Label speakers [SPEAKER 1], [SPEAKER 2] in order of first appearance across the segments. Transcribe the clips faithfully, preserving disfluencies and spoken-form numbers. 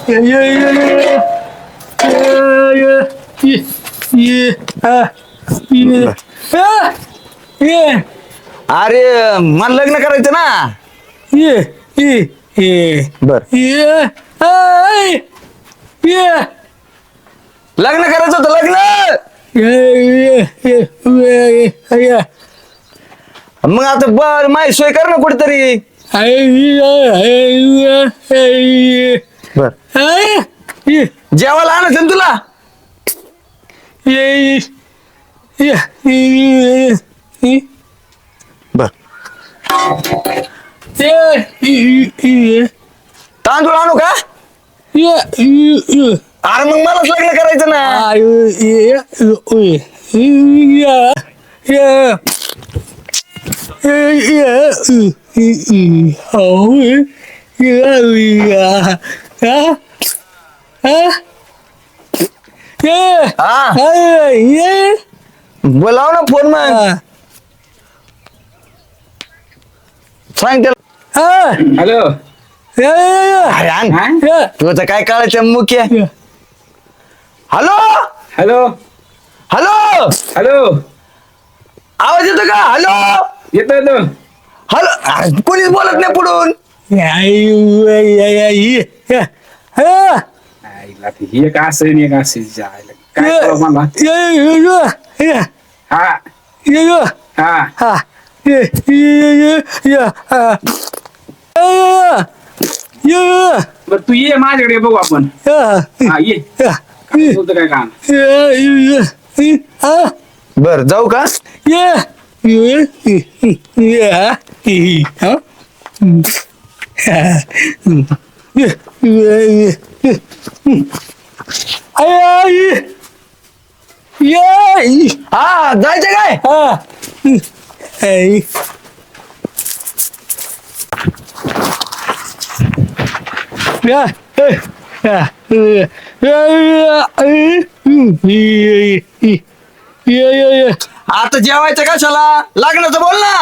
[SPEAKER 1] अरे मला लग्न करायचं ना. बर लग्न करायचं होतं लग्न. मग आता बर माही सोय कर ना कुठेतरी. बर जेवायला आणायचं ना तुला. बर तांदूळ आणू का. अरे मग मलाच लग्न करायचं ना. बोलाव ना फोन मग. सांग त्याला.
[SPEAKER 2] हॅलो.
[SPEAKER 1] अरे आण तुझं काय काळाच्या मुख्य. Hello
[SPEAKER 2] hello.
[SPEAKER 1] Hello
[SPEAKER 2] hello.
[SPEAKER 1] आवाज येतो का. हॅलो
[SPEAKER 2] येतो येतो.
[SPEAKER 1] हॅलो कोणीच बोलत नाही पुढून.
[SPEAKER 2] आईला ते हे का असं नाही का असं जायला काय कळलं मला. हा हा बर तू ये माझ्याकडे बघू आपण. हा ये काय बोलतो काय काम.
[SPEAKER 1] बर जाऊ का. हा जायचं काय. आता जेवायचं कशाला. लग्नाचं बोल ना.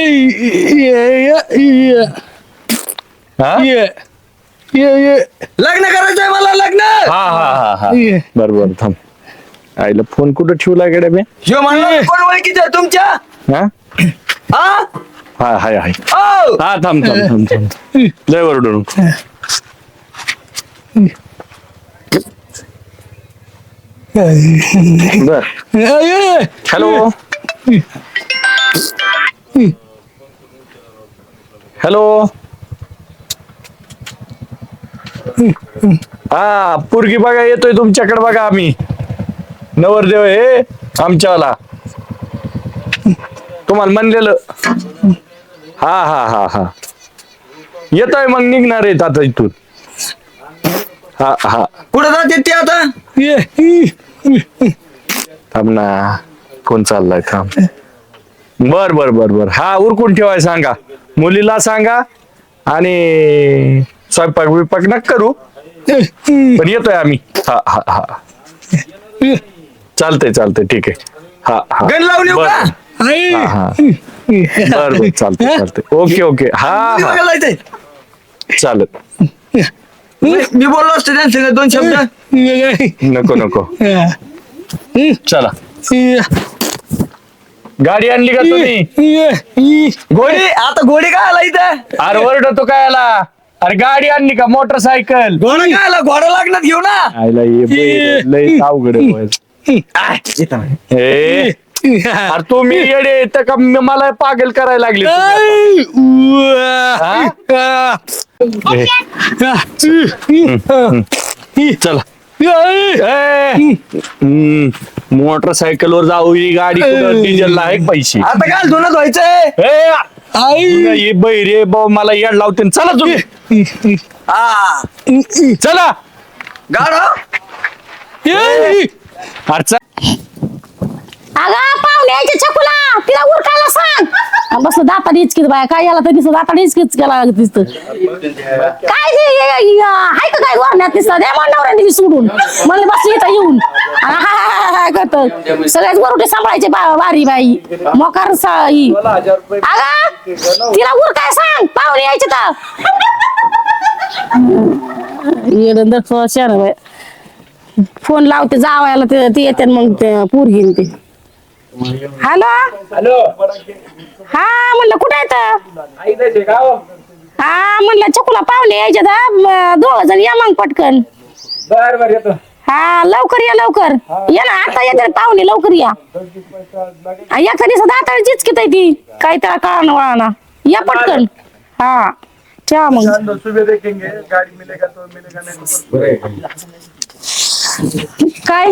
[SPEAKER 1] लग्न करायचंय मला लग्न.
[SPEAKER 3] हा हा हा हा बर बर थांब. आईला फोन कुठं ठेवला गड्या मी.
[SPEAKER 1] ह्यो म्हणलं कोण ओळखीचं आहे तुमच्या.
[SPEAKER 3] हा
[SPEAKER 1] हा
[SPEAKER 3] हा हाय हाय.
[SPEAKER 1] ओ
[SPEAKER 3] हा थांब थांब थांब थांब लय वरडू नको. बर हॅलो हॅलो. हा पोरगी बघा येतोय तुमच्याकडे. बघा आम्ही नवरदेव हे आमच्यावाला तुम्हाला म्हणलेलं. हा हा हा हा येतोय मग निघणार आहेत आता इथून. हा हा
[SPEAKER 1] कुठं जाते ते आता.
[SPEAKER 3] थांब ना फोन चाललाय थांब. बर बर बर बर हा उरकून ठेवाय सांगा. मुलीला सांगा आणि स्वयंपाक विपाक नका करू पण येतोय आम्ही. हा हा हा चालतंय चालतंय ठीक आहे. हा हा
[SPEAKER 1] गण लावून येऊ का.
[SPEAKER 3] हा हा बर बर चालतंय चालतंय ओके ओके. हा हा
[SPEAKER 1] बघायला जायचंय.
[SPEAKER 3] चालत.
[SPEAKER 1] मी मी बोललो असतो त्यांच्या दोन शब्द.
[SPEAKER 3] नको नको चला. गाडी आणली का तुम्ही.
[SPEAKER 1] घोडी आता घोडी काय आला इथं.
[SPEAKER 3] अरे ओरडतो काय आला. अरे गाडी आणली का मोटरसायकल.
[SPEAKER 1] घोडा काय आला. घोडा लागणार घेऊ ना.
[SPEAKER 3] आईला ये बैल, लय अवघड आहे. ए, अरे तुम्ही येडे तर का म- मला पागल करायला लागले तुम्ही आता. हा? चला मोटरसायकल वर जाऊ. ही गाडी डिझेलला आहे का पैसे.
[SPEAKER 1] आता काय धुणं धुवायचंय.
[SPEAKER 3] ए, ये बैरे भाऊ मला येड लावते. चला तुम्ही
[SPEAKER 1] हा
[SPEAKER 3] चला.
[SPEAKER 1] गाडा
[SPEAKER 3] अरे चल.
[SPEAKER 4] अगं पाहुणे यायचे छकुला तिला उरकायला सांग. बस दाता इचकीच बाया काय याला तर दिसत दाता इचकीच केला दिसत. काय हाय का काय वरण्यात दिसत द्या नवऱ्याने सोडून म्हणले बस इथं येऊन करत सगळ्याच वरुटे सांभाळायचे वारी बाई मोकार साई. अगं तिला उरकाय सांग पाहुणे यायचे तर. येडं दक्ष शान बाय फोन लावते जावायला ते ते येते मग ते पोरगीन ते हॅलो
[SPEAKER 2] हॅलो
[SPEAKER 4] हा म्हणलं कुठं येतं
[SPEAKER 2] आई जायचे का हो?
[SPEAKER 4] हा म्हणलं चकुला पाहुणे यायचे दोघ जण या मग पटकन
[SPEAKER 2] बर बर येतो
[SPEAKER 4] हा लवकर या लवकर या ना आता येते पाहुणे लवकर या एका दिवसात दाताळ चिचकीत आहे ती काही त्याला कळणं वळणा या पटकन हा ठेवा मग
[SPEAKER 1] सुबह देखेंगे गाड़ी मिलेगा तो मिलेगा नहीं
[SPEAKER 4] काय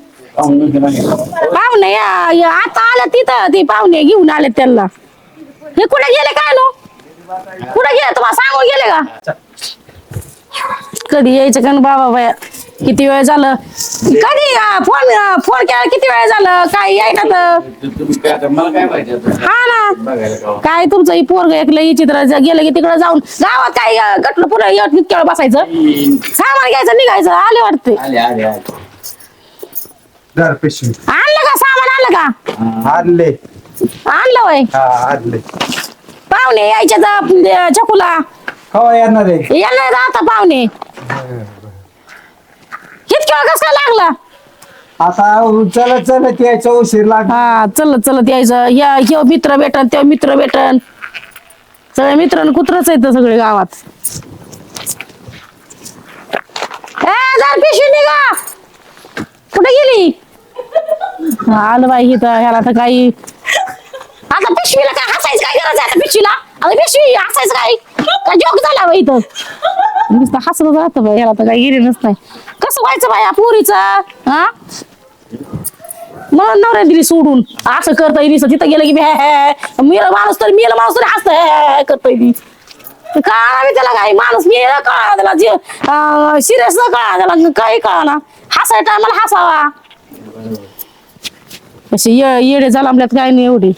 [SPEAKER 4] पाहुणे या या आता आलं तिथं ते पाहुणे घेऊन आले त्यांना हे कुठे गेले काय नो कुठे गेले तुम्हाला सांगून गेले का कधी यायचं का न बाबा बाया किती वेळ झालं कधी फोन फोन केला किती वेळ झालं काय यायला तर
[SPEAKER 2] मला काय माहिती
[SPEAKER 4] हा ना काय तुमचं ही पोरग एकलं ही चित्र गेलं की तिकडे जाऊन गावात काय गटलं पुढे इतक्या वेळ बसायचं सामान घ्यायचं निघायचं आले वाटते
[SPEAKER 2] आले आले आले
[SPEAKER 1] घर पिशवी
[SPEAKER 4] आणलं का सामान आणलं का
[SPEAKER 1] आणले
[SPEAKER 4] आणलं वय
[SPEAKER 1] हा आणले
[SPEAKER 4] पाहुणे यायचे तर चकुला
[SPEAKER 1] कवा येणार आहे
[SPEAKER 4] येणार आता पाहुणे इतक्या वेळ कसं काय लागला
[SPEAKER 1] आता चलत चलत यायचं उशीर लाग
[SPEAKER 4] हा चलत चलत यायचं या ह्यो मित्र भेटन तेव्हा मित्र भेटन सगळे मित्र कुत्रच आहेत सगळे गावात ए जर पिशवी निघा कुठे गेली आलं बाई इथं ह्याला तर काही आता पिशवीला काय हसायचं काय गरज आहे आता पिशवीला आता पिशवी हसायचं काय काय जोक झाला बाई इथं नुसतं हसत राहतं बाई ह्याला तर काही गिरी नसतंय कसं व्हायचं बाई या पोरीचं हा मला नवऱ्या दिली सोडून असं करता येईल तिथं गेलं की मेला माणूस तर मेला माणूस तरी हसत करता येईल कळा मी त्याला काही माणूस मेला कळा त्याला जे सिरियस कळा त्याला काही कळा ना हसाय टायमाला हसावा असे येडे झाला आपल्यात काय नाही एवढी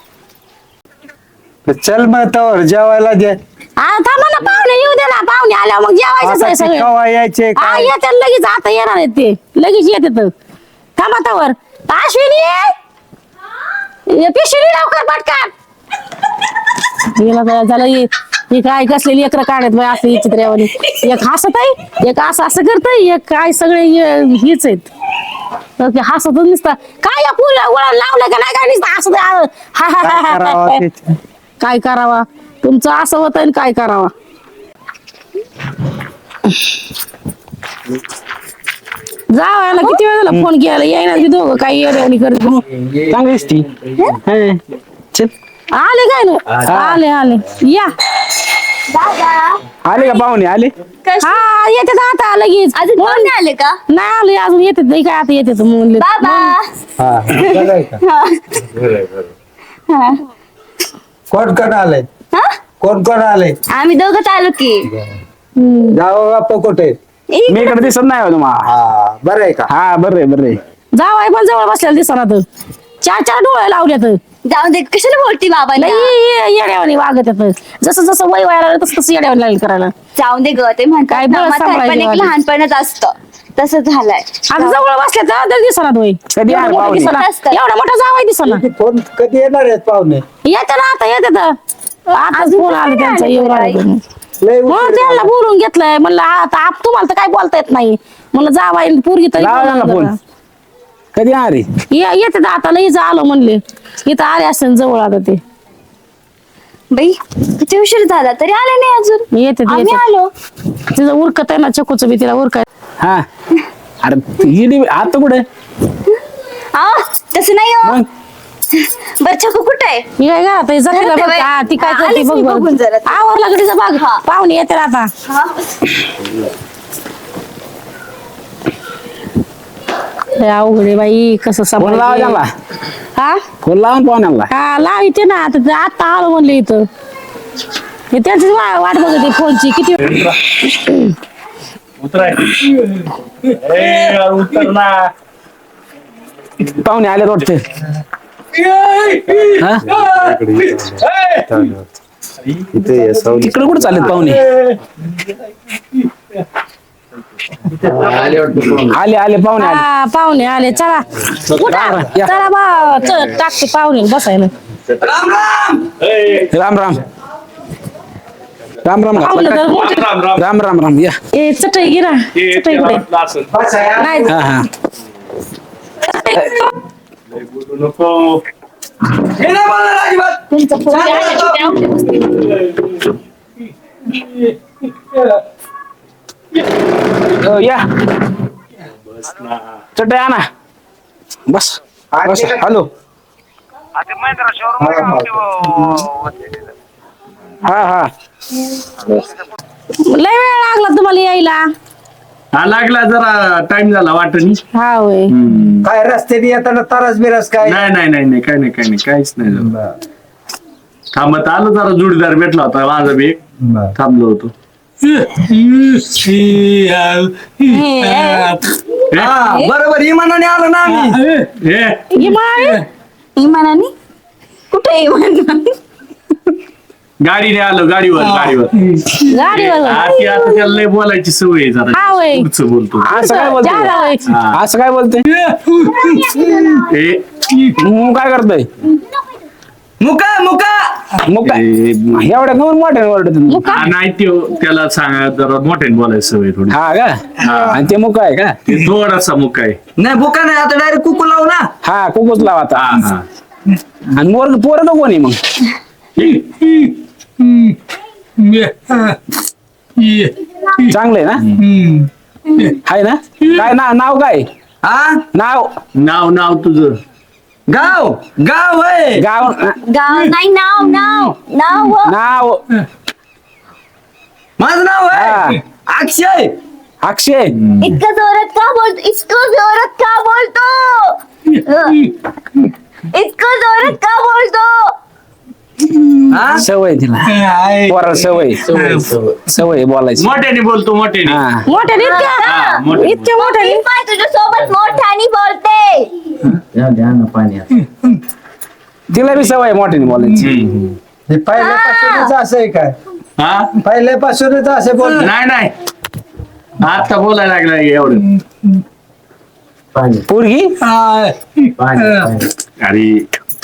[SPEAKER 1] चल मग तवर जेवायला दे
[SPEAKER 4] आता थांबा ना पाहुणे येऊ दे ना पाहुणे आल्या मग जेवायचं
[SPEAKER 1] आता
[SPEAKER 4] सगळे
[SPEAKER 1] कवा यायचे
[SPEAKER 4] हा
[SPEAKER 1] काय
[SPEAKER 4] येतात लगेच आता येणार आहेत ते लगेच येते तर थांबा तवर अश्विनी ये पिशवी लवकर पटकन गेला काय झालं हे हे काय कसलेली लेकरं काढत बाय असं चित्र्यावानी एक हसत आहे एक असं असं करतय एक काय सगळे हे- हेच आहेत तर ते हसतच नुसतं काय या पुऱ्या वळण लावलं का नाही काय नुसतं हसत आहे. हा, हा, हा,
[SPEAKER 1] काय
[SPEAKER 4] हा,
[SPEAKER 1] करावं
[SPEAKER 4] हा.
[SPEAKER 1] ते?
[SPEAKER 4] काय करावा तुमचं असं होत आणि काय करावा जावायला किती वेळ झाला फोन केला येईना की दोघं काही येड्यावानी करत
[SPEAKER 3] चांगलीच ती चल
[SPEAKER 4] आले काय ना आले आले या
[SPEAKER 3] आले का पाहुणे आले
[SPEAKER 4] हा येते आता लगेच
[SPEAKER 5] अजून कोण नाही आले का
[SPEAKER 4] नाही आले अजून येते नाही काय आता येते म्हणले
[SPEAKER 5] बाबा
[SPEAKER 1] हा बरं आहे का? कोण कोण आले
[SPEAKER 5] हा?
[SPEAKER 1] कोण कोण आले
[SPEAKER 5] आम्ही दोघंच आलो की
[SPEAKER 1] जावं बाप्पा कुठे
[SPEAKER 3] मी इकडे दिसत नाही हो तुम्हाला
[SPEAKER 1] हा बरं आहे का
[SPEAKER 3] हा बरं आहे बरं आहे
[SPEAKER 4] जावाय पण जवळ बसलेला दिसना तर चार चार डोळे लावल्यात
[SPEAKER 5] जाऊन दे कशाला बोलती बाबा
[SPEAKER 4] लई येड्यावानी वागत येत जसं जसं वय व्हायला लागलं तसं तसं येड्यावानी लागलं करायला
[SPEAKER 5] जाऊन दे ग ते
[SPEAKER 4] काय
[SPEAKER 5] म्हणतात
[SPEAKER 4] बरं
[SPEAKER 5] ना, म्हातारपण
[SPEAKER 4] सांभाळायचं
[SPEAKER 5] एक
[SPEAKER 4] वाली.
[SPEAKER 5] लहानपणच असतं तसं झालंय
[SPEAKER 4] आता जवळ बसले तर दिसना तो
[SPEAKER 3] कधी
[SPEAKER 4] एवढा
[SPEAKER 3] आले
[SPEAKER 4] मोठा
[SPEAKER 3] पाहुणे?
[SPEAKER 4] दिसना
[SPEAKER 5] असतं.
[SPEAKER 4] एवढा मोठा जावाय दिसना
[SPEAKER 1] कोण कधी येणार आहेत पाहुणे
[SPEAKER 4] येते ना आता येते तर आता फोन आला त्यांचा येऊ राहिला
[SPEAKER 1] लय
[SPEAKER 4] म्हणून
[SPEAKER 1] उशीर
[SPEAKER 4] त्यांना बोलून घेतलंय म्हणलं आता आप तुम्हाला तर काय बोलता येत नाही म्हणलं जावाय पोरगी तरी
[SPEAKER 3] लावा
[SPEAKER 4] बोलून
[SPEAKER 3] ना फोन.
[SPEAKER 4] जरा.
[SPEAKER 3] कधी अरे
[SPEAKER 4] ये- येते तर आता लई आलो म्हणले इथं आले असते जवळ आता ते
[SPEAKER 5] बाई किती उशीर झाला तरी आले नाही अजून
[SPEAKER 4] येते ते,
[SPEAKER 5] आम्ही
[SPEAKER 4] येते
[SPEAKER 5] आलो
[SPEAKER 4] तिचं उरकत आहे ना चकूचं बी तिला उरकाय
[SPEAKER 3] हा अरे गेली आता कुठे
[SPEAKER 5] आ तसं नाही हो
[SPEAKER 3] मग
[SPEAKER 5] बरं छकू कुठे आहे
[SPEAKER 4] ही काय घरात आहे, जाते ना
[SPEAKER 5] घरात
[SPEAKER 4] बघ.
[SPEAKER 5] आहे
[SPEAKER 4] हा, ती काय
[SPEAKER 5] हा,
[SPEAKER 4] करते
[SPEAKER 5] आलीच
[SPEAKER 4] बघ
[SPEAKER 5] मी
[SPEAKER 4] बघ.
[SPEAKER 5] बघून जरा.
[SPEAKER 4] आवरला कडीचा बाग
[SPEAKER 5] हा.
[SPEAKER 4] पाहुणे येते ना आता
[SPEAKER 5] हा
[SPEAKER 4] लय अवघड आहे बाई कसं
[SPEAKER 3] फोन लावा
[SPEAKER 4] सांभाळायचं.
[SPEAKER 3] त्याला
[SPEAKER 4] हा
[SPEAKER 3] फोन लावा ना पाहुण्याला
[SPEAKER 4] हा लावायचे ना आता ते आता आलो म्हणले इथं हे त्यांची वाट बघते फोनची किती
[SPEAKER 3] पाहुणे आले वाटते इकडे कुठे चाललेत पाहुणे आले आले पाहुणे आले
[SPEAKER 4] हा पाहुणे आले चला उठा.
[SPEAKER 3] या.
[SPEAKER 4] चला बा चल टाकते पाहुणे बसायला
[SPEAKER 3] राम राम
[SPEAKER 2] राम राम
[SPEAKER 4] पाहुणे तर मोठे.
[SPEAKER 3] राम राम
[SPEAKER 2] राम राम राम या
[SPEAKER 4] ए चटई गिरा
[SPEAKER 3] हे
[SPEAKER 4] चटई
[SPEAKER 3] त्याला
[SPEAKER 4] कुठे
[SPEAKER 3] वाटलं असेल.
[SPEAKER 4] नाही
[SPEAKER 2] हा हा
[SPEAKER 3] लय बोलू नको.
[SPEAKER 1] हे नाही बोलणार अजिबात.
[SPEAKER 4] तुमचं पोरगी आहे, छोटे आवडते बसते.
[SPEAKER 2] अ, या
[SPEAKER 3] बस ना.
[SPEAKER 2] चटई आणा बस बस हॅलो हा हा
[SPEAKER 4] लय वेळ लागला तुम्हाला यायला.
[SPEAKER 3] हा लागला जरा टाइम झाला वाटणी.
[SPEAKER 4] हा होय
[SPEAKER 1] काय रस्त्याने येताना तारस बिरस काय
[SPEAKER 3] नाही नाही नाही नाही काय नाही काय नाही काहीच नाही झालं. थांबत आलो जरा जोडीदार भेटला होता माझा बी एक. थांबलो होतो.
[SPEAKER 1] हा बरोबर इमानाने आलो ना आम्ही.
[SPEAKER 3] ए,
[SPEAKER 4] इमान
[SPEAKER 5] इमानाने कुठे इमान
[SPEAKER 3] गाडीने आलो गाडीवर गाडीवर
[SPEAKER 4] गाडीवर
[SPEAKER 3] हा, ती आता त्याला लय बोलायची सवय आहे जरा
[SPEAKER 4] हा होय.
[SPEAKER 3] पुढचं बोलतो
[SPEAKER 2] असं काय बोलतोय
[SPEAKER 4] जागा होय.
[SPEAKER 3] हा.
[SPEAKER 2] असं काय बोलतोय
[SPEAKER 3] ए,
[SPEAKER 2] मग काय करतोय
[SPEAKER 1] मुका मुका
[SPEAKER 2] मग काय
[SPEAKER 3] ए,
[SPEAKER 2] एवढ्या कमून मोठ्याने ओरडत
[SPEAKER 4] मुका
[SPEAKER 3] हा, नाही त्यो त्याला सांगा जरा मोठ्याने बोलायची सवय थोडी
[SPEAKER 2] हा का आणि ते मुक आहे का
[SPEAKER 3] ते थोडासा मुक आहे.
[SPEAKER 1] नाही बुका नाही आता डायरेक्ट कुकू लावू ना.
[SPEAKER 2] हा कुकूच लावा आता
[SPEAKER 3] हा हा
[SPEAKER 2] आणि मोर पोरग कोणी मग चांगलंय ना हाय ना काय ना नाव काय
[SPEAKER 1] हा
[SPEAKER 2] नाव
[SPEAKER 3] नाव नाव तुझं
[SPEAKER 1] गाव गाव होय.
[SPEAKER 2] गाव
[SPEAKER 5] गाव नाही नाव नाव नाव व.
[SPEAKER 2] नाव
[SPEAKER 1] माझं नाव आहे
[SPEAKER 2] हा.
[SPEAKER 1] अक्षय.
[SPEAKER 2] अक्षय
[SPEAKER 5] इतकं जोरात का बोलतो इतकं जोरात का बोलतो अ. इतकं जोरात का बोलतो
[SPEAKER 1] हा
[SPEAKER 2] सवय तिला पोराला सवय सवय बोलायची
[SPEAKER 3] मोठ्याने बोलतो मोठ्याने
[SPEAKER 2] हा
[SPEAKER 4] मोठ्या
[SPEAKER 3] हा,
[SPEAKER 4] इतक्या
[SPEAKER 3] मोठ्याने.
[SPEAKER 4] इतक्या मोठ्या
[SPEAKER 5] मी पण तुझ्या सोबत मोठ्याने बोलते
[SPEAKER 2] तिला बी सवय मोठ्याने बोलायची
[SPEAKER 3] हम्म.
[SPEAKER 1] हे पहिल्यापासूनच असं आहे काय
[SPEAKER 3] हा
[SPEAKER 1] पहिल्यापासूनच असं बोल.
[SPEAKER 3] नाही नाही आता बोलायला लागला एवढं
[SPEAKER 2] पोरगी
[SPEAKER 3] अरे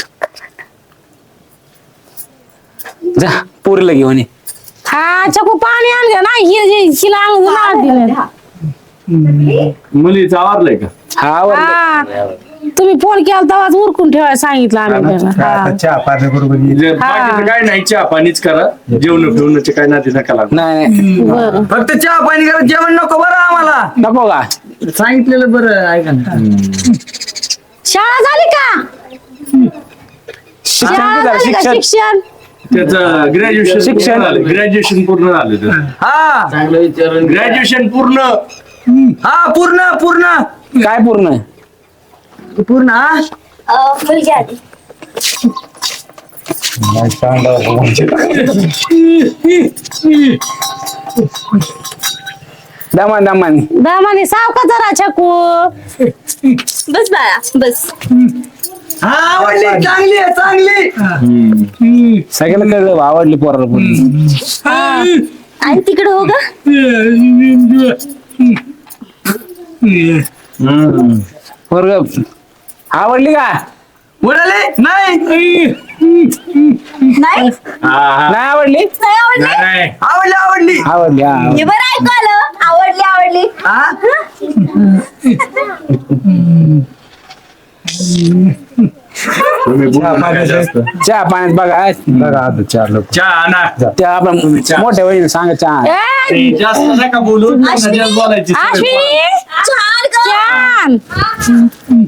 [SPEAKER 2] जा पोरीला घेऊन ये
[SPEAKER 4] हा चकू पाणी आणलं ना हि हि- हिला आणून ना दिलं
[SPEAKER 3] मुलीचं आवरलंय का
[SPEAKER 2] हा वर
[SPEAKER 4] हा तुम्ही फोन केला तेव्हाच उरकून ठेवायला सांगितलं आम्ही त्याला. हा.
[SPEAKER 1] चहा पाणी बरोबर
[SPEAKER 3] जे बाकीचं काय नाही चहा पाणीच करा जेवण फिवण्याचे काय नाती नका लागू.
[SPEAKER 2] नाही नाही
[SPEAKER 4] बरं
[SPEAKER 1] फक्त चहा पाणी करा जेवण नको बरं आम्हाला.
[SPEAKER 2] नको का
[SPEAKER 1] सांगितलेलं बरं ऐका ना.
[SPEAKER 4] शाळा झाली का
[SPEAKER 2] शिक्षण
[SPEAKER 4] शाळा
[SPEAKER 2] किती झालं
[SPEAKER 4] झाली का?
[SPEAKER 2] शिक्षण
[SPEAKER 4] शिक्षण
[SPEAKER 3] त्याचं ग्रॅज्युएशन
[SPEAKER 2] शिक्षण.
[SPEAKER 3] झालं ग्रॅज्युएशन पूर्ण झालं त्याचं.
[SPEAKER 1] हा
[SPEAKER 3] ग्रॅज्युएशन पूर्ण
[SPEAKER 1] हा पूर्ण पूर्ण
[SPEAKER 2] काय पूर्ण
[SPEAKER 1] पूर्ण हा
[SPEAKER 5] अ, मुलगी आली
[SPEAKER 2] दमान दमान
[SPEAKER 4] दामाने सावका जरा चकू
[SPEAKER 5] बस बाळा बस
[SPEAKER 1] हा आवडली चांगली आहे चांगली.
[SPEAKER 2] सगळ्याला कळलं आवडली पोराला पोरगी
[SPEAKER 5] आणि तिकडे हो ग
[SPEAKER 2] पोरग आवडली का
[SPEAKER 1] उडाले नाही
[SPEAKER 5] नाही
[SPEAKER 3] हा हा
[SPEAKER 2] नाही आवडली
[SPEAKER 5] नाही आवडली
[SPEAKER 3] नाही नाही
[SPEAKER 1] आवडली आवडली
[SPEAKER 2] आवडली हा
[SPEAKER 5] हे बरं ऐकू आलं आवडली आवडली
[SPEAKER 1] हा
[SPEAKER 3] तुम्ही बोलू नका जास्त.
[SPEAKER 2] चहा पाण्यात बघा बघा आता चार लोक
[SPEAKER 3] चहा आणा
[SPEAKER 2] त्या आपण मोठ्या वहिनी सांगा चहा
[SPEAKER 4] ए,
[SPEAKER 3] ए, जास्त नका बोलू
[SPEAKER 5] अश्विनी,
[SPEAKER 3] जास्त बोलायची सवय
[SPEAKER 4] अश्विनी
[SPEAKER 5] छान ग
[SPEAKER 4] छान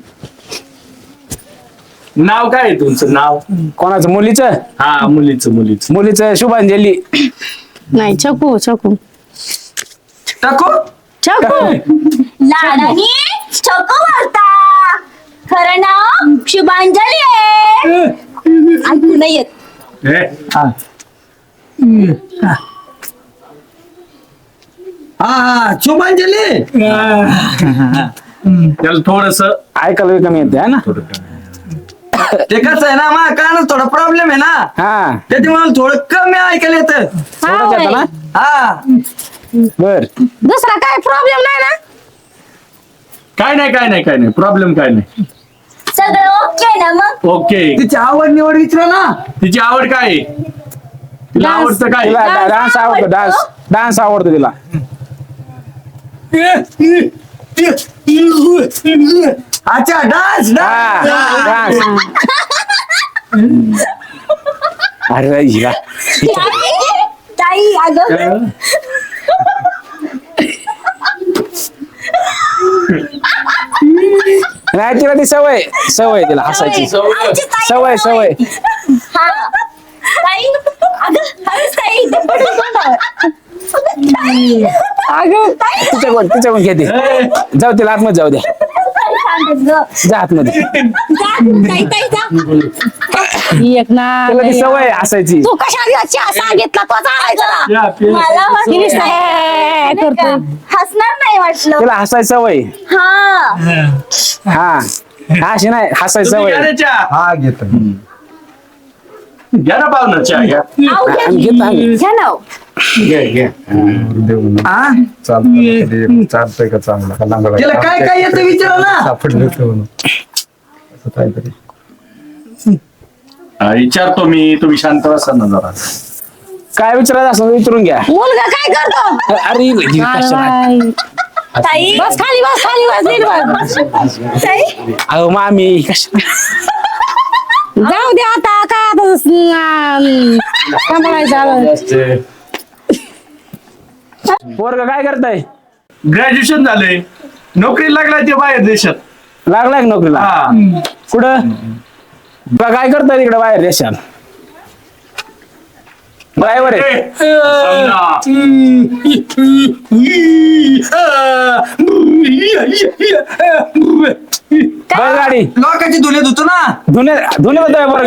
[SPEAKER 3] नाव काय आहे तुमचं नाव
[SPEAKER 2] कोणाचं मुलीचं
[SPEAKER 3] हा मुलीचं मुलीचं
[SPEAKER 2] मुलीचं शुभांजली
[SPEAKER 4] नाही चकू चकू
[SPEAKER 1] टाकू
[SPEAKER 4] चकू
[SPEAKER 5] लाडानी चको मारता खरं नाव शुभांजली आहे ऐकू नाही येत
[SPEAKER 3] ए,
[SPEAKER 1] हा हा शुभांजली.
[SPEAKER 3] त्याला थोडस
[SPEAKER 2] ऐकायला बी कमी येते है ना
[SPEAKER 1] ते कसं आहे ना मा कानच थोडा प्रॉब्लेम आहे ना
[SPEAKER 2] हा
[SPEAKER 1] त्याच्यामुळे थोडं कमी ऐकायला येतं.
[SPEAKER 4] हा
[SPEAKER 2] थोडंच येतं
[SPEAKER 4] होय.
[SPEAKER 2] ना
[SPEAKER 1] हा
[SPEAKER 2] बर
[SPEAKER 4] दुसरा काय प्रॉब्लेम नाही ना
[SPEAKER 3] काय नाही काय नाही काय नाही प्रॉब्लेम काय नाही
[SPEAKER 5] सगळं ओके ना मग
[SPEAKER 3] ओके
[SPEAKER 1] तिची आवड निवड विचारा ना.
[SPEAKER 3] तिची आवड काय आहे तिला आवडतं काय
[SPEAKER 2] तिला डान्स आवडतो डान्स डान्स आवडतो तिला.
[SPEAKER 1] अच्छा डान्स
[SPEAKER 2] हा डान्स. अरे हिला
[SPEAKER 5] ताई अगं
[SPEAKER 2] नाही तिला ती सवय सवय तिला हसायची
[SPEAKER 5] आमची ताई
[SPEAKER 2] सवय सवय.
[SPEAKER 5] हा ताई अगं खरंच ताई ते पडलं तोंडावर. ताई
[SPEAKER 4] अगं
[SPEAKER 5] ताई
[SPEAKER 2] तिच्याकडून तिच्याकडून घेते जाऊ तिला आतमध्ये जाऊ द्या
[SPEAKER 5] सांगत गं.
[SPEAKER 2] जा आतमध्ये.
[SPEAKER 5] जा, ताई ताई जा.
[SPEAKER 4] एक ना
[SPEAKER 2] तिला ती सवय हसायची.
[SPEAKER 4] तू कशा चहा सांगितला तो चालायचा
[SPEAKER 5] मला वाटलं
[SPEAKER 4] गिरीश नाही करतो.
[SPEAKER 5] हसणार नाही वाटलं.
[SPEAKER 2] तिला हसायची सवय.
[SPEAKER 5] हा
[SPEAKER 2] हा अशी नाही हसायची
[SPEAKER 3] तुम्ही
[SPEAKER 2] सवय.
[SPEAKER 3] घ्या रे चहा.
[SPEAKER 1] हा घेतो
[SPEAKER 3] घ्या ना पाहुणं चहा घ्या.
[SPEAKER 5] आऊ घ्या.
[SPEAKER 2] आम्ही घेतो आम्ही.
[SPEAKER 5] घ्या ना.
[SPEAKER 3] घ्या घ्या
[SPEAKER 1] हा
[SPEAKER 6] चालतंय का चांगला का लांगडा
[SPEAKER 1] तिला काय काय येतं विचारा ना.
[SPEAKER 6] सापडलं होतं म्हणून. असं काहीतरी
[SPEAKER 3] हा, विचारतो मी तुम्ही शांत बसा ना जरा.
[SPEAKER 2] काय विचारायचं असं विचारून घ्या.
[SPEAKER 4] मुलगा काय करतो
[SPEAKER 2] अरे ही कशाला?
[SPEAKER 5] ताई
[SPEAKER 4] बस खाली बस खाली बस नीट बस.
[SPEAKER 5] ताई
[SPEAKER 2] अहो मामी कशा
[SPEAKER 4] जाऊ दे आता काय आता अं, सांभाळायचं आलं.
[SPEAKER 2] पोरग काय करताय?
[SPEAKER 3] ग्रॅज्युएशन झालंय नोकरी लागलाय ते बाहेर देशात.
[SPEAKER 2] लागलाय का नोकरीला?
[SPEAKER 3] हा
[SPEAKER 2] कुठं तुला काय करताय तिकडे बाहेर देशात? ड्रायव्हर आहे. बैलगाडी
[SPEAKER 1] लोकांची धुले धुतो ना.
[SPEAKER 2] धुणे धुणे होतोय पोरग.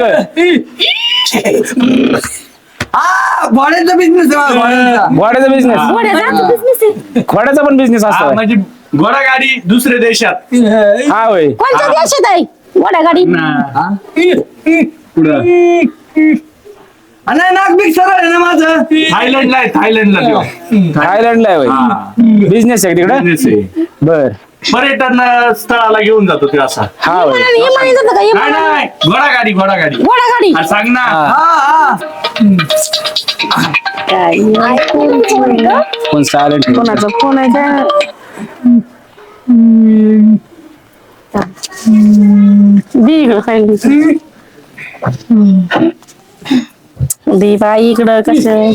[SPEAKER 1] हा भाड्याचा बिझनेस भाड्याचा.
[SPEAKER 2] घोड्याचा बिझनेस
[SPEAKER 4] घोड्याचा
[SPEAKER 5] बिझनेस आहे.
[SPEAKER 2] घोड्याचा पण बिझनेस
[SPEAKER 3] हा,
[SPEAKER 2] असतो.
[SPEAKER 3] म्हणजे घोडागाडी दुसऱ्या देशात.
[SPEAKER 2] हा होय.
[SPEAKER 4] कोणत्या देशात आहे मोठ्या गाडी
[SPEAKER 3] पुढं
[SPEAKER 1] नाही नाक बिग सरळ आहे ना माझं.
[SPEAKER 3] थायलंडला आहे थायलंडला देऊ.
[SPEAKER 2] थायलंडला आहे होय.
[SPEAKER 3] हा.
[SPEAKER 2] बिझनेस आहे तिकडे.
[SPEAKER 3] Business आहे.
[SPEAKER 2] बर
[SPEAKER 3] पर्यटन स्थळाला घेऊन जातो ते असा.
[SPEAKER 2] हा होय.
[SPEAKER 4] इमानी जातं का
[SPEAKER 3] नाही
[SPEAKER 4] इमानी
[SPEAKER 3] नाही घोडागाडी घोडागाडी.
[SPEAKER 4] घोडा गाडी
[SPEAKER 3] हा, सांग ना.
[SPEAKER 2] हा.
[SPEAKER 1] हा हा
[SPEAKER 2] कोण सायलेंट?
[SPEAKER 4] कोणाचा फोन आहे काय दे इकडं खायला. दे बाई इकडं कसं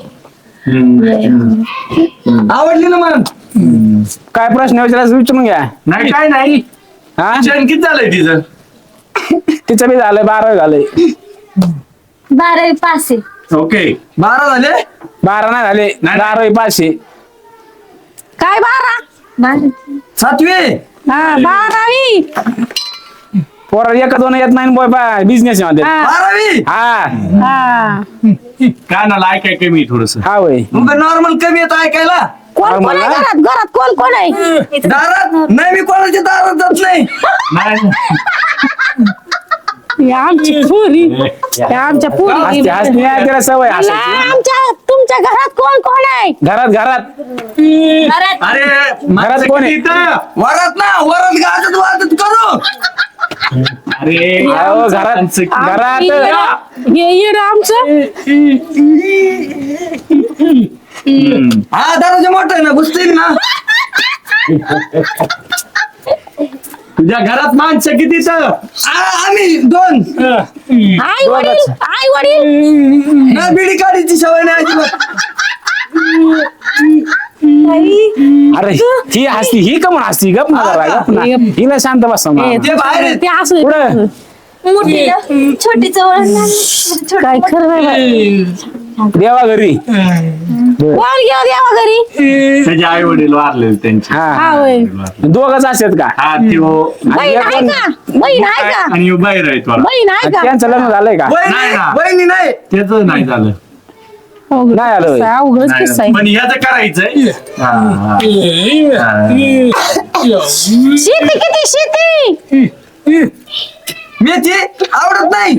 [SPEAKER 1] आवडली ना मग.
[SPEAKER 2] काय प्रश्न विचारायचं विचारून घ्या.
[SPEAKER 3] नाही काय नाही
[SPEAKER 2] हा
[SPEAKER 3] शिक्षण किती झालंय तिचं.
[SPEAKER 2] तिचं बी झालंय बारावी झालंय.
[SPEAKER 5] बारावी पास आहे.
[SPEAKER 3] ओके
[SPEAKER 1] बारा झाले.
[SPEAKER 2] बारा नाही झाले
[SPEAKER 3] नाही.
[SPEAKER 2] बारावी पाचशे.
[SPEAKER 4] काय बारा
[SPEAKER 5] बारावी.
[SPEAKER 1] सातवी.
[SPEAKER 4] हा बारावी
[SPEAKER 2] पोरा एका दोन येत नाही बोय बा बिझनेस मध्ये.
[SPEAKER 4] हा
[SPEAKER 1] बारावी.
[SPEAKER 2] हा
[SPEAKER 4] हा
[SPEAKER 3] कानाला ऐकाय कमी थोडस.
[SPEAKER 2] हा होय.
[SPEAKER 1] मग नॉर्मल कमी येत ऐकायला.
[SPEAKER 4] कोण कोण आहे घरात घरात कोण कोण आहे
[SPEAKER 1] दारात नाही मी कोणाच्या दारात जात नाही.
[SPEAKER 3] नाही
[SPEAKER 4] हे आमची पुरी हे आमच्या पुरी
[SPEAKER 2] हसते हसते आहे तिला सवय
[SPEAKER 4] मला
[SPEAKER 2] हसायची.
[SPEAKER 4] आमच्या तुमच्या घरात कोण कोण आहे
[SPEAKER 2] घरात घरात
[SPEAKER 5] घरात
[SPEAKER 3] अरे
[SPEAKER 2] घरात कोण आहे?
[SPEAKER 3] इथं.
[SPEAKER 1] वरात ना वरात गाजत वाजत करू.
[SPEAKER 3] अरे
[SPEAKER 2] अहो, घरात घरात
[SPEAKER 4] हे येड आमचं
[SPEAKER 1] हा दरवाजा मोठा आहे ना घुसतील ना.
[SPEAKER 3] तुझ्या घरात माणसं किती तर.
[SPEAKER 1] आ- आम्ही दोन.
[SPEAKER 4] आई वडील आई वडील
[SPEAKER 1] ना बिडी काढीची सवय नाही अजिबात.
[SPEAKER 2] अरे ही हसती ही का म्हणून हसती गप ना जरा, गप ना. हिला शांत बसा मग.
[SPEAKER 1] ते बाहेर आहेत.
[SPEAKER 4] ते असं
[SPEAKER 2] पुढं
[SPEAKER 5] मोठीला छोटीचं वळण लागलं. छोटी-
[SPEAKER 4] काय खरं नाही बाई.
[SPEAKER 2] देवा घरी.
[SPEAKER 4] कोण घ्या द्यावा घरी
[SPEAKER 3] त्याचे आई वडील वारलेले त्यांचे.
[SPEAKER 2] हा
[SPEAKER 4] हा होय
[SPEAKER 2] दोघच असतात का?
[SPEAKER 3] हा त्यो
[SPEAKER 4] बहीण आहे का बहीण आहे का
[SPEAKER 3] आणि ह्यो बाहेर आहे थोडा.
[SPEAKER 4] बहीण आहे का
[SPEAKER 2] त्यांचं लग्न झालंय का?
[SPEAKER 1] वहिनी
[SPEAKER 3] नाही ना.
[SPEAKER 1] वहिनी नाही.
[SPEAKER 3] त्याच नाही झालं.
[SPEAKER 4] अवघड
[SPEAKER 2] नाही आलं होय.
[SPEAKER 4] किस्सा आहे, अवघडच
[SPEAKER 3] नाही
[SPEAKER 4] किस्सा
[SPEAKER 3] झालं.
[SPEAKER 4] आहे
[SPEAKER 3] पण ह्याचं करायचंय. हा, हा.
[SPEAKER 4] शेती किती शेती
[SPEAKER 1] मेथी आवडत नाही.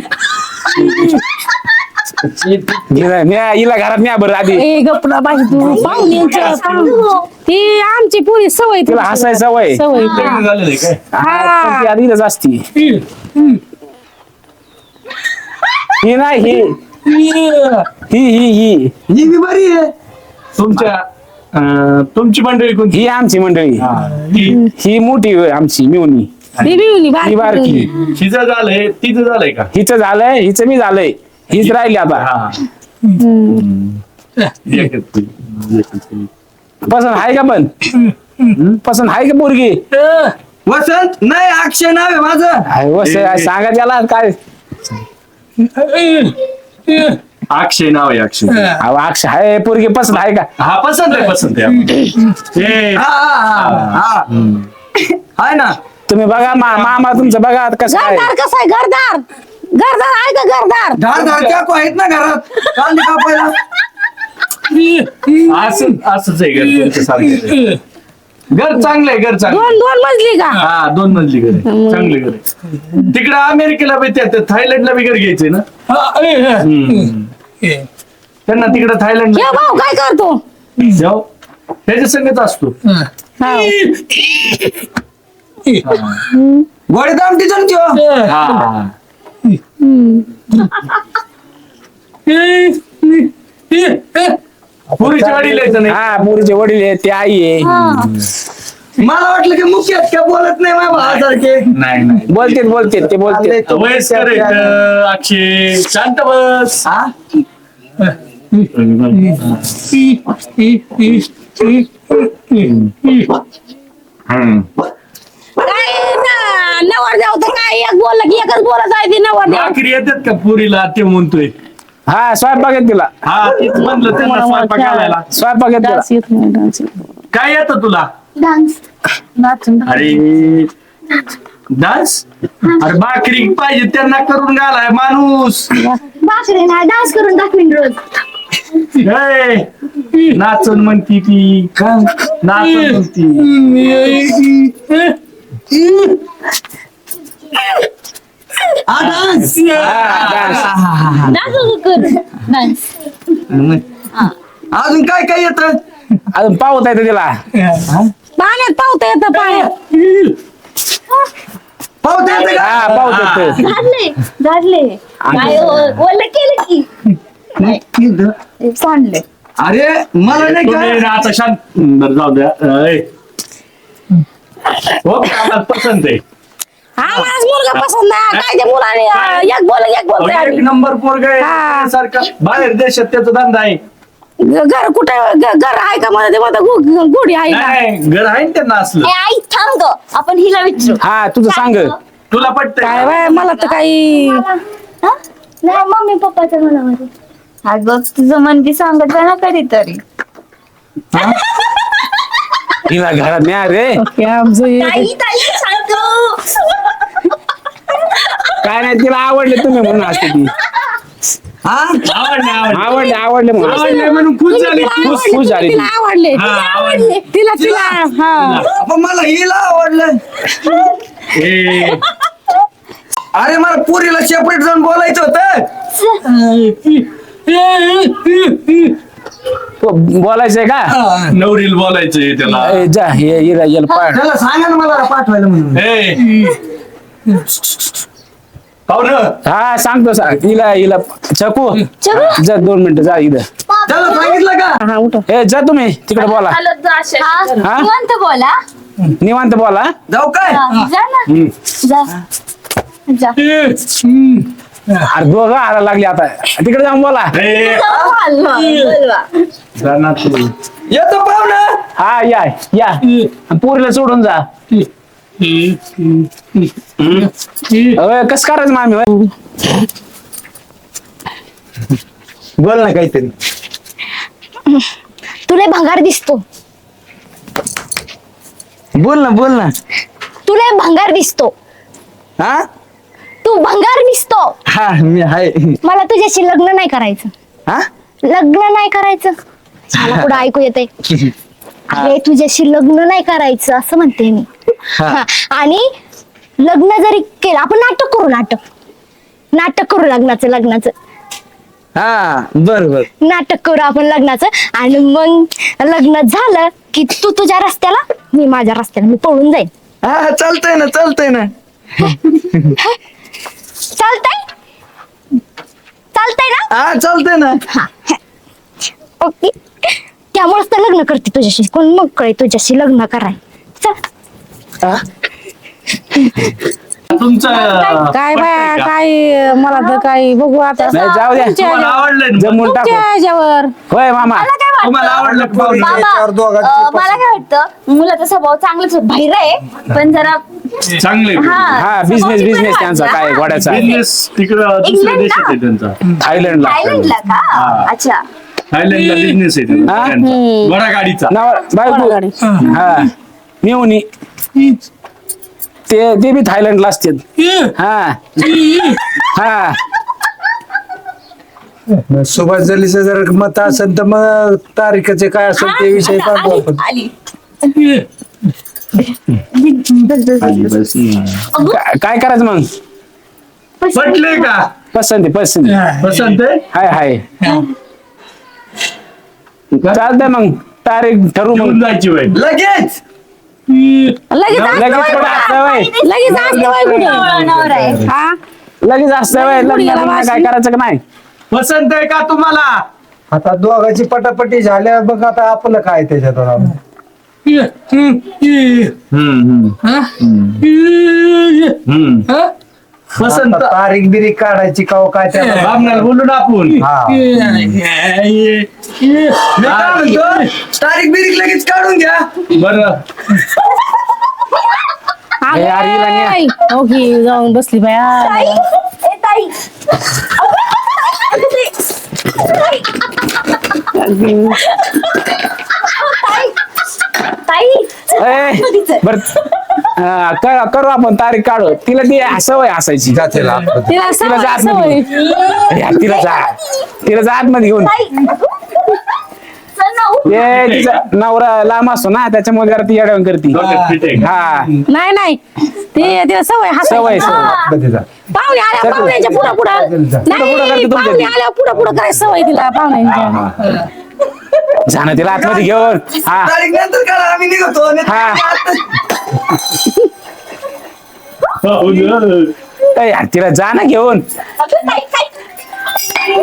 [SPEAKER 2] हिला न्या- हिला घरात न्या बरं आधी.
[SPEAKER 4] ए गपना बाई तू पाहुण्यांच्या पाहुणे ती आमची पुरी सवय
[SPEAKER 2] तिला हसायची सवय.
[SPEAKER 4] सवय
[SPEAKER 3] लग्न झालेलं आहे काय.
[SPEAKER 2] हा, पण ती आधी इथंच असती. ही नाही ही ही ही ही
[SPEAKER 1] ही बी बरी आहे.
[SPEAKER 3] तुमच्या अं, तुमची मंडळी कोणती
[SPEAKER 2] ही आमची मंडळी
[SPEAKER 3] ती-
[SPEAKER 2] ही मोठी होय आमची मिवणी
[SPEAKER 4] बेबी होनी
[SPEAKER 2] ही बारकी
[SPEAKER 3] हिचं झालंय तिचं झालंय का
[SPEAKER 2] हिचं झालंय हिचं मी झालंय हीच राहिली आता
[SPEAKER 3] हा एकच ती, एकच ती.
[SPEAKER 2] पसंत आहे का पण पसंत आहे का पोरगी
[SPEAKER 1] वसंत नाही अक्षय नाव आहे माझं.
[SPEAKER 2] हाय, वस सांगा त्याला काय
[SPEAKER 3] अक्षय नाव आहे अक्षय
[SPEAKER 2] अहो, अक्ष आहे पोरगी पसंत आहे का
[SPEAKER 3] हा पसंत आहे पसंत आहे ए,
[SPEAKER 1] हा हा हा हा आहे ना.
[SPEAKER 2] तुम्ही बघा मा- मामा तुमचं बघा आता कसं आहे
[SPEAKER 4] घरदार कसं आहे घरदार घरदार आहे का घरदार
[SPEAKER 1] धार धार चाकू आहेत ना घरात कांदे कापायला.
[SPEAKER 3] असं असंच आहे घर तुमचं सारखं आहे. घर चांगलं आहे घर चांगलं आहे.
[SPEAKER 4] दोन दोन मजली का
[SPEAKER 3] हा दोन मजली घर आहे चांगले घर आहे तिकडे अमेरिकेला बी त्या थायलंडला बी घर घ्यायचंय ना हम्म. त्यांना तिकडे थायलंड
[SPEAKER 4] हे भाऊ काय करतो
[SPEAKER 3] जाऊ त्याच्या संगत असतो
[SPEAKER 1] गोडे दाम टिचन त्यो.
[SPEAKER 3] हा पुरीच्या वडील यायचं नाही
[SPEAKER 2] हा पोरीचे वडील आहे ते आई आहे
[SPEAKER 1] मला वाटलं की मुख्य आहेत का बोलत नाही माझ्या भावासारखे.
[SPEAKER 3] नाही नाही
[SPEAKER 2] बोलतेत बोलतेत ते बोलतेत
[SPEAKER 3] वयस्कर आहेत, अक्षय शांत बस
[SPEAKER 1] हा
[SPEAKER 3] हम्म.
[SPEAKER 4] काय नवर जाऊ तर काय एक बोललं की एकच बोलत आहे ती नवर देव
[SPEAKER 3] भाकरी येतात का पुरीला ते म्हणतोय
[SPEAKER 2] हा स्वयंपाक येत तिला
[SPEAKER 3] हा तेच म्हणलं त्यांना स्वयंपाक घालायला
[SPEAKER 2] स्वयंपाक येत तिला
[SPEAKER 4] डान्स येत नाही डान्स येत नाही.
[SPEAKER 3] काय येतं तुला
[SPEAKER 5] डान्स
[SPEAKER 3] अरे डान्स अरे भाकरी पाहिजे त्यांना करून घालाय माणूस
[SPEAKER 5] बापरे ना डान्स करून दाखवीन रोज
[SPEAKER 3] ए, नाचून म्हणती ती नाचून म्हणती
[SPEAKER 1] हा डान्स.
[SPEAKER 2] हा, डान्स.
[SPEAKER 5] डान्स करून डान्स
[SPEAKER 1] अजून काय काय येत.
[SPEAKER 2] अजून पावत आहे तिला
[SPEAKER 4] पाण्यात पावता येतं पाण्यात
[SPEAKER 1] पावते येते का.
[SPEAKER 2] हा पावत येत
[SPEAKER 5] झाडले झाडले काय ओलं केलं की सांडले
[SPEAKER 1] अरे मला नाही
[SPEAKER 3] तुम्ही
[SPEAKER 1] का
[SPEAKER 3] आता शांत बरं, जाऊ द्या ए. हो आम्हाला पसंत आहे
[SPEAKER 4] हा माझ मुलगा पसंत आहे काय त्या मुलाने अं, एक बोल एक बोलतोय
[SPEAKER 3] एक
[SPEAKER 4] आम्ही.
[SPEAKER 3] नंबर पोरगा
[SPEAKER 4] हा.
[SPEAKER 3] आहे सारखा बाहेर देशात त्याचा धंदा आहे
[SPEAKER 4] घर कुठे घर आहे का मला ते म्हणता गु- गुढी आहे का
[SPEAKER 3] नाही घर आहे ना त्यांना असलं
[SPEAKER 5] ए आई थांब ग आपण हिला विचारू
[SPEAKER 2] हा तुझं सांग
[SPEAKER 3] तुला पटतंय
[SPEAKER 4] काय
[SPEAKER 3] का?
[SPEAKER 4] बाय मला तर काही
[SPEAKER 5] हा? नाही मम्मी पप्पाच्या मनामध्ये हा बघ तुझं मन ती सांगत जा ना कधीतरी
[SPEAKER 2] तिला घरात न्या रे
[SPEAKER 4] आमचं हे-
[SPEAKER 5] ताई ताई सांगतो
[SPEAKER 2] काय नाही तिला आवडले तुम्ही म्हणून असते ती
[SPEAKER 1] हा
[SPEAKER 3] आवडले आवडले
[SPEAKER 2] आवडले आवडले म्हणून असते.
[SPEAKER 3] आवडले म्हणून खुश झाली
[SPEAKER 4] तिला
[SPEAKER 3] खुश
[SPEAKER 4] आवडले,
[SPEAKER 2] खुश झाली
[SPEAKER 4] तिला
[SPEAKER 2] ती.
[SPEAKER 4] आवडले
[SPEAKER 3] हा,
[SPEAKER 4] तिला
[SPEAKER 3] आवडले.
[SPEAKER 4] आवडले तिला तिला हा
[SPEAKER 1] पण मला हिला आवडलं.
[SPEAKER 3] ए,
[SPEAKER 1] अरे मला पुरीला सेपरेट जाऊन बोलायचं होतं.
[SPEAKER 2] तो बोलायचंय का
[SPEAKER 3] नवरील बोलायचंय त्याला
[SPEAKER 2] ए, जा ये हिला हिला पाड
[SPEAKER 1] त्याला सांगा ना मला पाठवायला म्हणून.
[SPEAKER 3] ए पाहुण
[SPEAKER 2] हा सांगतो सांग हिला हिला चकू जा दोन मिनिटं जा इथं
[SPEAKER 1] त्याला सांगितलं का.
[SPEAKER 4] हा उठ
[SPEAKER 2] ए जा तुम्ही तिकडे बोला
[SPEAKER 5] हा
[SPEAKER 2] हा?
[SPEAKER 5] निवांत बोला
[SPEAKER 2] निवांत बोला
[SPEAKER 1] जाऊ काय.
[SPEAKER 5] हा, जा ना जा जा
[SPEAKER 2] अरे दोघं आला लागली आता तिकडे जाऊन बोला
[SPEAKER 3] ए,
[SPEAKER 5] बोलवा, बोलवा.
[SPEAKER 3] जा ना तू
[SPEAKER 1] येतो पाहुणा.
[SPEAKER 2] हा या या आणि पोरीला सोडून जा अरे कसं करायचं मामी होय?
[SPEAKER 1] बोल ना काहीतरी.
[SPEAKER 5] तुला भंगार दिसतो
[SPEAKER 1] बोल ना बोल ना.
[SPEAKER 5] तुला भंगार दिसतो
[SPEAKER 1] हा
[SPEAKER 5] तू भंगार दिसतो
[SPEAKER 1] हा मी आहे.
[SPEAKER 5] मला तुझ्याशी लग्न नाही करायचं
[SPEAKER 1] हा
[SPEAKER 5] लग्न नाही करायचं मला पुढे ऐकू येते अरे तुझ्याशी लग्न नाही करायचं असं म्हणते मी
[SPEAKER 1] हा.
[SPEAKER 5] हा, आणि लग्न जरी केलं आपण नाटक करू नाटक नाटक करू लग्नाचं लग्नाचं
[SPEAKER 1] हा बर बर.
[SPEAKER 5] नाटक करू आपण लग्नाचं आणि मग लग्न झालं की तू तुझ्या रस्त्याला मी माझ्या रस्त्याला मी पळून जाईन
[SPEAKER 1] हा चालतंय ना चालतंय ना.
[SPEAKER 5] चालतंय चालतंय ना?
[SPEAKER 1] हा चालतंय ना.
[SPEAKER 5] ओके. त्यामुळेच तर लग्न करते तुझ्याशी. कोण मग कळे तुझ्याशी लग्न कराय. चल.
[SPEAKER 3] तुमचं
[SPEAKER 4] काय बाया काय मला तर काय बघू आता
[SPEAKER 2] नाही जाऊ द्या
[SPEAKER 4] तुमच्या
[SPEAKER 3] तुम्हाला आवडलंय ना?
[SPEAKER 2] जमून टाकू
[SPEAKER 4] तुमच्या ह्याच्यावर
[SPEAKER 2] होय मामा
[SPEAKER 5] मला काय
[SPEAKER 3] तुम्हाला
[SPEAKER 5] वाटतं
[SPEAKER 3] आवडलं का पाहुणे?
[SPEAKER 5] बाबा,
[SPEAKER 1] याच्यावर दोघांची
[SPEAKER 5] अं, मला काय वाटतं मुलाचा स्वभाव चांगलाच आहे, बाहेर आहे पण जरा
[SPEAKER 3] चांगले
[SPEAKER 5] हा
[SPEAKER 2] हा बिझनेस
[SPEAKER 5] स्वभाव
[SPEAKER 2] बिझनेस
[SPEAKER 5] पण
[SPEAKER 2] त्यांचा
[SPEAKER 5] वाटला.
[SPEAKER 2] काय घोड्याचा
[SPEAKER 3] बिझनेस तिकडं दुसऱ्या
[SPEAKER 5] इंग्लंड
[SPEAKER 3] देशात
[SPEAKER 5] ना?
[SPEAKER 3] आहे त्यांचा.
[SPEAKER 2] थायलंडला
[SPEAKER 5] थायलंडला का? अच्छा.
[SPEAKER 3] थायलंडला बिझनेस आहे त्यांचा,
[SPEAKER 2] हा?
[SPEAKER 3] सगळ्यांचा. बडा गाडीचा.
[SPEAKER 2] नाव बायको
[SPEAKER 4] गाडी.
[SPEAKER 2] हा मिळून ते ते बी थायलंडला असतात हा हा
[SPEAKER 6] सुभाष जलीचं जर मत असेल तर मग तारीखचे काय असेल ते विषय
[SPEAKER 5] आता
[SPEAKER 6] पाहतो
[SPEAKER 5] आली,
[SPEAKER 6] आपण.
[SPEAKER 5] आली.
[SPEAKER 2] का- काय करायचं मग
[SPEAKER 3] पटले का?
[SPEAKER 2] पसंत आहे पसंत आहे.
[SPEAKER 3] पसंत आहे?
[SPEAKER 2] हाय हाय चालतंय मग तारीख ठरवू
[SPEAKER 3] घेऊन
[SPEAKER 2] मग
[SPEAKER 3] जायची बाई.
[SPEAKER 1] लगेच
[SPEAKER 4] लगेच
[SPEAKER 2] लगेच कुठं असतं वय
[SPEAKER 4] लगेच असतं बाई कुठे
[SPEAKER 5] नवरा नवरा आहे.
[SPEAKER 4] हा
[SPEAKER 2] लगेच असतं वय
[SPEAKER 4] कुठे गेला
[SPEAKER 2] लग्न
[SPEAKER 4] वाशी?
[SPEAKER 2] काय करायचं का नाही
[SPEAKER 3] पसंत आहे का तुम्हाला?
[SPEAKER 6] आता दोघांची पटापटी झाल्या बघ आता आपलं काय त्याच्यात आता.
[SPEAKER 3] पसंत
[SPEAKER 6] आता तारीख बिरीख काढायची का हो काय त्याला
[SPEAKER 3] बामणाला बोलू ना आपण.
[SPEAKER 6] हा
[SPEAKER 1] मी काय म्हणतो तारीख बिरीख लगेच काढून घ्या.
[SPEAKER 3] बरं
[SPEAKER 2] ए, अरे हिला न्या.
[SPEAKER 4] ओके जाऊन बसली बाया
[SPEAKER 5] ताई, ए ताई. ताई. ताई.
[SPEAKER 2] ए, बर हा, कर- करू आपण तारीख काढू तिला ती सवय असायची
[SPEAKER 6] जाते आपलं.
[SPEAKER 4] तिला
[SPEAKER 2] तिला जा
[SPEAKER 4] सवय
[SPEAKER 2] आतमध्ये
[SPEAKER 4] सवय.
[SPEAKER 2] या, तिला जा तिला जा आतमध्ये घेऊन
[SPEAKER 5] ताई. चल ना, उठ.
[SPEAKER 2] ते तिचा नवरा लांब असतो ना त्याच्यामुळे जरा ती अडवण करते
[SPEAKER 3] डोक्यात fit आहे का?
[SPEAKER 2] हा
[SPEAKER 4] नाही नाही ते तिला सवय
[SPEAKER 2] सवय
[SPEAKER 4] हसायची.
[SPEAKER 2] सवय
[SPEAKER 6] आपलं जा.
[SPEAKER 4] पाहुणे आल्या पाहुण्याच्या पुढं पुढं
[SPEAKER 2] पुढं
[SPEAKER 4] नाही
[SPEAKER 2] करते तुमच्या
[SPEAKER 4] पाहुणे
[SPEAKER 2] ती.
[SPEAKER 4] आल्या पुढं पुढं करायची सवय तिला पाहुण्यांच्या
[SPEAKER 2] जाणं तिला आतमध्ये घेऊन हा
[SPEAKER 1] तारीख नंतर काढा आम्ही निघतो. नाही तर
[SPEAKER 2] हा.
[SPEAKER 3] हो ना.
[SPEAKER 2] ए, यार, तिला जा ना घेऊन
[SPEAKER 5] अगं, ताई, ताई.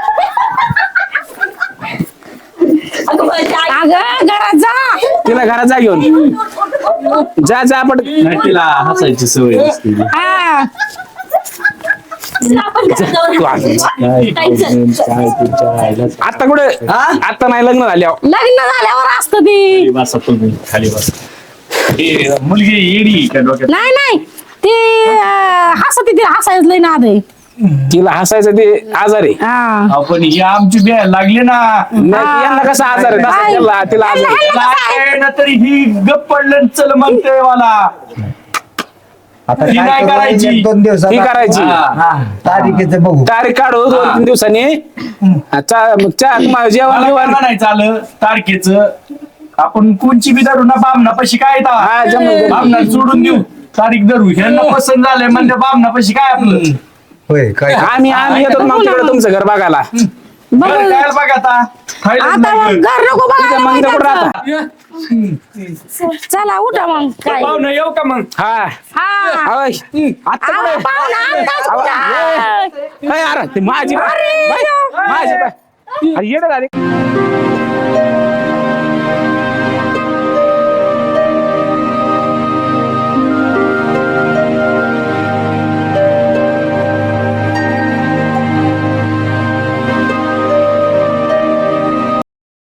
[SPEAKER 5] अगं, माझी आई.
[SPEAKER 4] अगं घरात जा
[SPEAKER 2] तिला घरात जा घेऊन जा जा पण
[SPEAKER 3] नाही, तिला हसायची सवय असते.
[SPEAKER 4] हा
[SPEAKER 5] चल, आपण घरात जाऊ.
[SPEAKER 2] तू आज.
[SPEAKER 5] ताई, चल.
[SPEAKER 2] आता कुठे आता नाही लग्न झाल्यावर
[SPEAKER 4] लग्न झाल्यावर असतं ती
[SPEAKER 3] खाली बसा तुम्ही, खाली बसा. ए, मुलगी येडी का डोक्यात?
[SPEAKER 4] नाही नाही ती अं, हसत ती हसायच लई नाद आहे
[SPEAKER 2] तिला हसायचं ते आजार आहे
[SPEAKER 4] हा
[SPEAKER 3] आपण ही आमची बॅ लागली ना.
[SPEAKER 2] नाही, यांना कसा आजार आहे तसा
[SPEAKER 4] काय?
[SPEAKER 2] त्याला- तिला आजार आहे.
[SPEAKER 3] नाही ना तरी ही गप पडलं चल म्हणते मला.
[SPEAKER 6] आता
[SPEAKER 3] ती
[SPEAKER 6] काय
[SPEAKER 3] नाही
[SPEAKER 6] करू,
[SPEAKER 3] करायची.
[SPEAKER 6] एक दोन दिवसात
[SPEAKER 2] ती करायची
[SPEAKER 3] हा.
[SPEAKER 6] तारीखेचं बघू.
[SPEAKER 2] तारीख काढू दोन तीन दिवसांनी चा- मग चा- मग जेवण
[SPEAKER 3] मला काय
[SPEAKER 2] बिवण
[SPEAKER 3] म्हणायचं आलं तारखेचं आपण कोणची बी धरू ना बामना पशी काय
[SPEAKER 2] हा, जमलं, जमलं.
[SPEAKER 3] बामना सोडून देऊ तारीख धरू ह्यांना पसंत झालंय म्हणजे बामना पशी काय आपलं
[SPEAKER 6] होय काय
[SPEAKER 2] आम्ही आम्ही येतो मग तिकडे तुमचं घर बघायला
[SPEAKER 4] बघ
[SPEAKER 3] घर काय बघ आता थायलंड
[SPEAKER 4] आता मग घर नको बघायला
[SPEAKER 2] मग इथं कुठं
[SPEAKER 4] माहिती
[SPEAKER 2] राहता
[SPEAKER 4] आहे. चला उठा मग काय
[SPEAKER 3] पाहुणं येऊ का मग?
[SPEAKER 2] हा
[SPEAKER 4] हा
[SPEAKER 2] होय. आता
[SPEAKER 4] आवा,
[SPEAKER 2] कुठे
[SPEAKER 4] पाहुणा आमचाच
[SPEAKER 2] आवा,
[SPEAKER 4] उठा.
[SPEAKER 2] ए, अरे ती माझी बाय. बाय, माझी बाय. अरे येडं झाले